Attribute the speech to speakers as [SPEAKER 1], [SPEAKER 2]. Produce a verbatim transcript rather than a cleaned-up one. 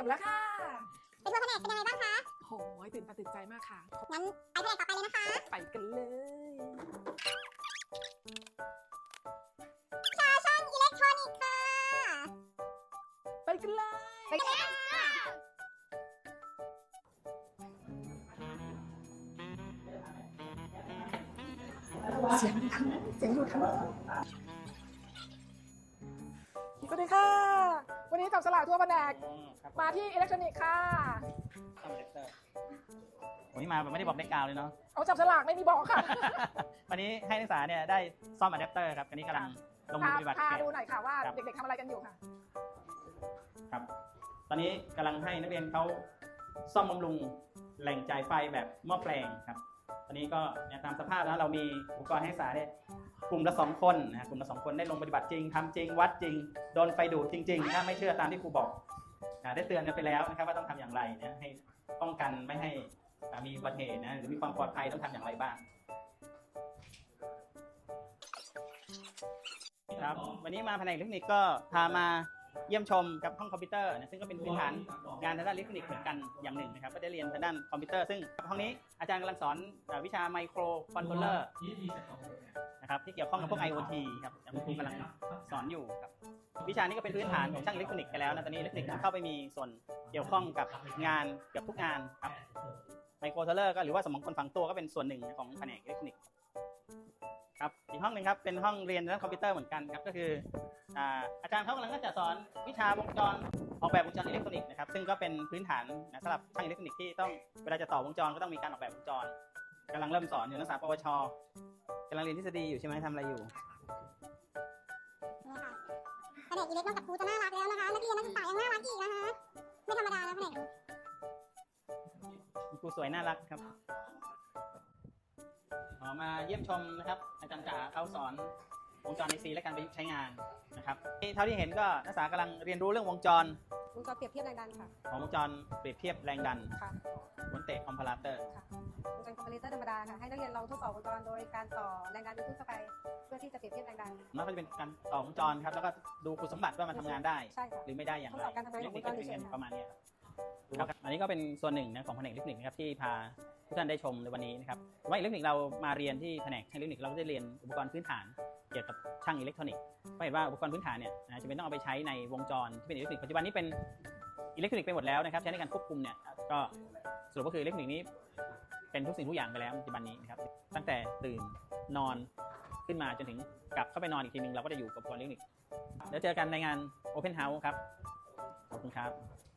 [SPEAKER 1] ถึงแล้วค่ะ
[SPEAKER 2] ไปทัวร์แผนกเป็นยังไงบ้างคะ
[SPEAKER 1] โอ้ยตื่นตาตื่นใจมากค่ะ
[SPEAKER 2] งั้นไปแผนกต่อไปเลยนะคะ
[SPEAKER 1] ไปกันเลย
[SPEAKER 2] ชาช่างอิเล็กทรอนิกส์ค่ะ
[SPEAKER 1] ไปกันเลย
[SPEAKER 2] ไปกันเลยค่ะ
[SPEAKER 1] เสียงดังเสียงดูดังสวัสดีค่ะวันนี้จับสลากทั่วแผนกมาที่อิเล็กทรอนิกส์ค่ะ
[SPEAKER 3] วันนี้มาแบบไม่ได้บอกได้กาวเลยเนาะ
[SPEAKER 1] เอาจับสลากไม่มีบอกค่ะ
[SPEAKER 3] วันนี้ให้นักศึกษาเนี่ยได้ซ่อมอะแดปเตอร์ครับอันนี้กำลังลงมือปฏิบัติ
[SPEAKER 1] พา
[SPEAKER 3] เก
[SPEAKER 1] ดู
[SPEAKER 3] ม
[SPEAKER 1] หน่อยค่ะว่า
[SPEAKER 3] ครับ
[SPEAKER 1] เด็กๆทำอะไรกันอยู่ค่ะ
[SPEAKER 3] ครับ ตอนนี้กำลังให้นักเรียนเขาซ่อมบำรุงแหล่งจ่ายไฟแบบหม้อแปลงครับ ตอนนี้ก็เนี่ยตามสภาพแล้วเรามีอุปกรณ์ให้นักศึกษาเนี่ยกลุ่มละสองคนนะกลุ่มละสองคนได้ลงปฏิบัติจริงทำจริงวัดจริงโดนไฟดูดจริงๆถ้าไม่เชื่อตามที่ครูบอกได้เตือนกันไปแล้วนะครับว่าต้องทำอย่างไรนะให้ป้องกันไม่ให้มีอุบัติเหตุนะหรือมีความปลอดภัยต้องทำอย่างไรบ้างครับวันนี้มาแผนกอิเล็กทรอนิกส์ก็พามาเยี่ยมชมกับห้องคอมพิวเตอร์นะซึ่งก็เป็นพื้นฐานงานทางด้านอิเล็กทรอนิกส์เหมือนกันอย่างหนึ่งนะครับก็ได้เรียนทางด้านคอมพิวเตอร์ซึ่งห้องนี้อาจารย์กำลังสอนวิชาไมโครคอนโทรลเลอร์นะครับที่เกี่ยวข้องกับพวก ไอ โอ ที ครับอาจารย์ครูกำลังสอนอยู่ครับวิชานี้ก็เป็นพื้นฐานของช่างอิเล็กทรอนิกส์ไปแล้วนะตอนนี้อิเล็กทรอนิกส์เข้าไปมีส่วนเกี่ยวข้องกับงานเกือบทุกงานครับไมโครคอนโทรลเลอร์ก็หรือว่าสมองคนฝังตัวก็เป็นส่วนหนึ่งของแผนกอิเล็กทรอนิกส์ครับอีกห้องหนึ่งครับเป็นห้องเรียนด้านคอมพิวเตอร์เหมือนกันครับก็คืออ่าอาจารย์เขากำลังก็จะสอนวิชาวงจรออกแบบวงจรอิเล็กทรอนิกส์นะครับซึ่งก็เป็นพื้นฐานนะสำหรับช่างอิเล็กทรอนิกส์ที่ต้องเวลาจะต่อวงจรก็ต้องมีการออกแบบวงจรกำลังเริ่มสอนอยู่นักศึกษาปวชกำลังเรียนทฤษฎีอยู่ใช่ไหมทำอะไรอยู่
[SPEAKER 2] นี่ค่ะแผนกอิเล็กนอกจากครูจะน่ารักแล้วนะคะนักเรียนนักศึกษายังน่ารักอีกนะคะไม่ธรรมดานะแผนกนี้
[SPEAKER 3] ครูสวยน่ารักครับขอมาเยี่ยมชมนะครับอาจารย์จ๋าเขาสอนวงจร เอ ซี และการประยุกต์ใช้งานนะครับเท่าที่เห็นก็นักศึกษากำลังเรียนรู้เรื่องวงจร
[SPEAKER 1] วงจรเปรียบเทียบแรงดันค่ะ
[SPEAKER 3] ของวงจรเปรียบเทียบแรงดัน
[SPEAKER 1] ค่ะ
[SPEAKER 3] วอลเตจคอมพาราเตอร์
[SPEAKER 1] ค่ะวงจรคอมพาราเตอร์ธรรมดาค่ะให้นักเรียนลองทดสอบวงจรโดยการต่อแรงดันอินพุตเข้าไปเพื่อที่จะเปรียบเทียบแรงดัน
[SPEAKER 3] แล้วก็จะเป็นการต่อวงจรครับแล้วก็ดูคุณสมบัติว่ามันทำงานได้หรือไม่ได้อย่างไรเทคนิคการเรียนประมาณนี้ครับอันนี้ก็เป็นส่วนหนึ่งนะของแผนกอิเล็กทรอนิกส์นะครับที่พาทุกท่านได้ชมในวันนี้นะครับว่าอิเล็กทรอนิกส์เรามาเรียนที่แผนกช่างอิเล็กทรอนิกส์เราก็ได้เรียนอุปกรณ์พื้นฐานเกี่ยวกับช่างอิเล็กทรอนิกส์เพราะเห็นว่าอุปกรณ์พื้นฐานเนี่ยจะเป็นต้องเอาไปใช้ในวงจรที่เป็นอิเล็กทรอนิกส์ปัจจุบันนี้เป็นอิเล็กทรอนิกส์ไปหมดแล้วนะครับใช้ในการควบคุมเนี่ยก็สรุปก็คืออิเล็กทรอนิกส์นี้เป็นทุกสิ่งทุกอย่างไปแล้วปัจจุบันนี้นะครับตั้งแต่ตื่นนอนขึ้นมาจนถึงกลับเข้าไปนอนอีกทีนึงเราก็จะอยู่กับอุปกรณ์อิเล็กทรอนิกส์แล้วเจอกันในงาน Open House ครับขอบคุณครับ